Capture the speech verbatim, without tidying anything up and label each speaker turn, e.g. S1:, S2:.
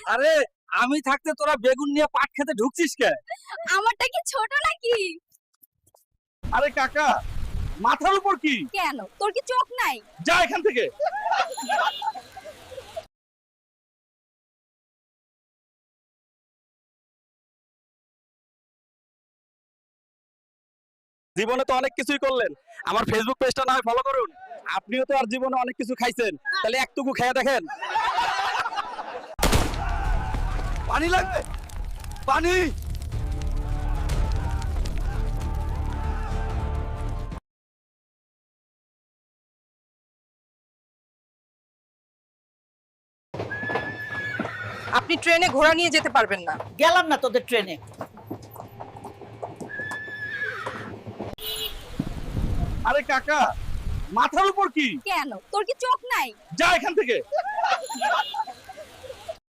S1: আরে আমি থাকতে তোরা বেগুন নিয়ে পাট খেতে ঢুকছিস কে?
S2: আমারটা কি ছোট নাকি?
S1: আরে কাকা, মাথার উপর কি?
S2: কেন তোর কি চোখ নাই?
S1: যা এখান থেকে। জীবনে তো অনেক কিছুই করলেন, আমার ফেসবুক পেজটা না হয় ফলো করুন। আপনিও তো আর জীবনে অনেক কিছু খাইছেন, তাহলে একটুকু খেয়ে দেখেন। পানি লাগবে, পানি।
S3: আপনি ট্রেনে ঘোড়া নিয়ে যেতে পারবেন না।
S4: গেলাম না তোদের ট্রেনে।
S1: আরে কাকা, মাথার উপর কি?
S2: কেন তোর কি চোখ নাই?
S1: যা এখান থেকে।